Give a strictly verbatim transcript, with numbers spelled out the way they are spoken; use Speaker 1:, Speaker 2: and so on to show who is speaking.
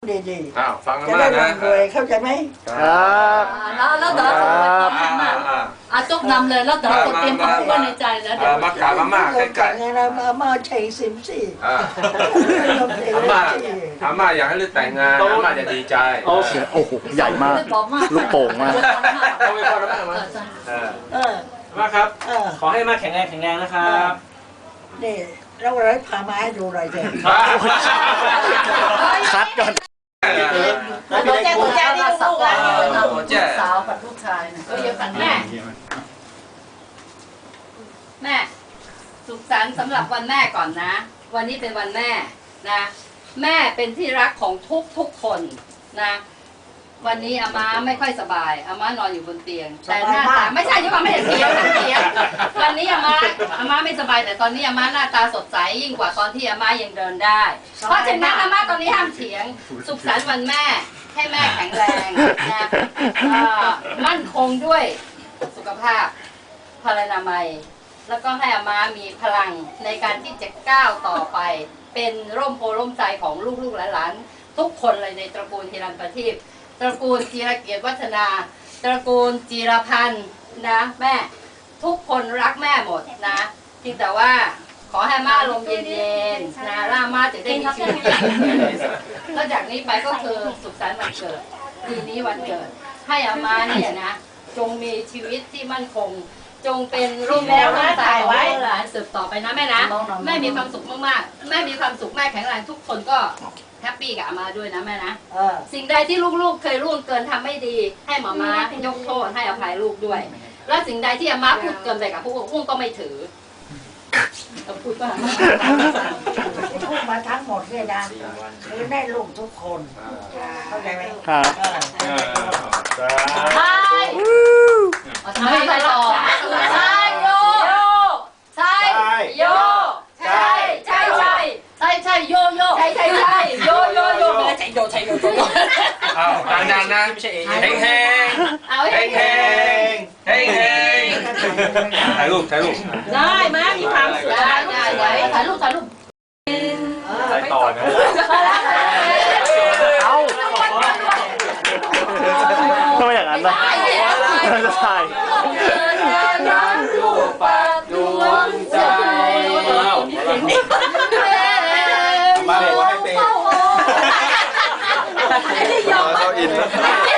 Speaker 1: ดีๆ
Speaker 2: อ้าวฟังกัน
Speaker 1: จะ
Speaker 2: มา
Speaker 1: ได้
Speaker 2: กนะ
Speaker 1: ร่ำรวยเข้าใจไหม
Speaker 3: ครับ
Speaker 4: แล้วแล้วเดี๋ยวจะไปทำ
Speaker 2: อ่า
Speaker 4: มา
Speaker 2: อ่า
Speaker 4: อาจุกนำเลยแล้วเดี๋ยวจะเตรียมคำพูดไว้ในใจแล้วเดี๋ยว
Speaker 2: มากราบอาม่าใกล้
Speaker 1: ๆเรามามาใช้สิมสี่
Speaker 2: ๆอ่าอาม่าอาม่าอยากให้ลูกแต่งงานอาม่าจะดีใจ
Speaker 3: โอเคโอ้โหใหญ่มาก ลูกโป่งมาก
Speaker 2: เอาไปก่อนอาม่ามาเออ
Speaker 1: เออ
Speaker 5: มาครับ
Speaker 1: เออ
Speaker 5: ขอให้มาแข็งแรงแข็งแรงนะครับ
Speaker 1: นี่เราเลยพามาให้ดูหน่อยเถอะ
Speaker 3: คัดก่อน
Speaker 4: ตัวแจ้ตัวแจ้นี่ลูกแล้วลูกสาวกับลูกชายนะก็เยอะกันแม่แม่สุขสันต์สำหรับวันแม่ก่อนนะ วันนี้เป็นวันแม่นะ แม่เป็นที่รักของทุกทุกคนนะ วันนี้อาม่าไม่ค่อยสบายอาม่านอนอยู่บนเตียง แต่หน้าตาไม่ใช่ยุคไม่ได้เตียงเตียงวันนี้อาม่าอาม่าไม่สบายแต่ตอนนี้อาม่าหน้าตาสดใสยิ่งกว่าตอนที่อาม่ายังเดินได้ เพราะฉะนั้นอาม่าตอนนี้ห้ามเถียง สุขสันต์วันแม่ให้แม่แข็งแรงนะมั่นคงด้วยสุขภาพพลานามัย แล้วก็ให้อาม่ามีพลังในการที่จะก้าวต่อไป เป็นร่มโพร่มใจของลูกๆหลานๆทุกคนเลยในตระกูลฮิรันประทีปตระกูลจีรเกียรติวัฒนา ตระกูลจีรพันธ์นะแม่ทุกคนรักแม่หมดนะเพียงแต่ว่าขอให้ม่าลมเย็นๆนะร่าม่าจะได้มีชีวิตแล้วจากนี้ไปก็คือสุขสันต์วันเกิดปีนี้วันเกิด ให้อาม่าเนี่ยนะจงมีชีวิตที่มั่นคง จงเป็นร่มโพร่มใจของลูกหลานสืบต่อไปนะแม่นะแม่มีความสุขมากๆแม่มีความสุขแม่แข็งแรงทุกคนก็แฮปปี้กับอาม่าด้วยนะแม่นะ
Speaker 1: เออ
Speaker 4: สิ่งใดที่ลูกๆเคยล่วงเกินทำไม่ดี ให้หมอม้ายกโทษให้อภัยลูกด้วย และสิ่งใดที่อาม่าพูดเกินไปกับพวกพวกก็ไม่ถือเราพูดว่า
Speaker 1: ที่พูดมาทั้งหมดเนี่ยนะคือได้ลูกทุกคนเข้าใจไหม
Speaker 3: ครับ
Speaker 1: เออ
Speaker 4: ใช่ใช่ไปต่อใช่โยใช่โยใช่ใช่ใช่ใช่ใช่โยโยใช่ใช่ใช่โยโยโยไม่ใช่โยใช่โยโย
Speaker 2: อ้าวดังๆนะ
Speaker 5: ไม่ใช่เอง
Speaker 2: เฮงเฮง
Speaker 4: เอา
Speaker 2: เฮ
Speaker 4: ให้
Speaker 2: งเฮงเฮงเฮงถ่ายรูปถ่ายรูป
Speaker 4: ได้มามีความสุขได้ได้ได้ถ่ายรูปถ่ายรูป
Speaker 2: ถ่ายต่อนะ
Speaker 3: เอ้าทำไมอย่างนั้นล่ะจะถ่าย
Speaker 2: ดูปากดวงใจมาเลยว่าให้เต้
Speaker 4: ไม่ได้ยอม
Speaker 2: เขาอินแล้ว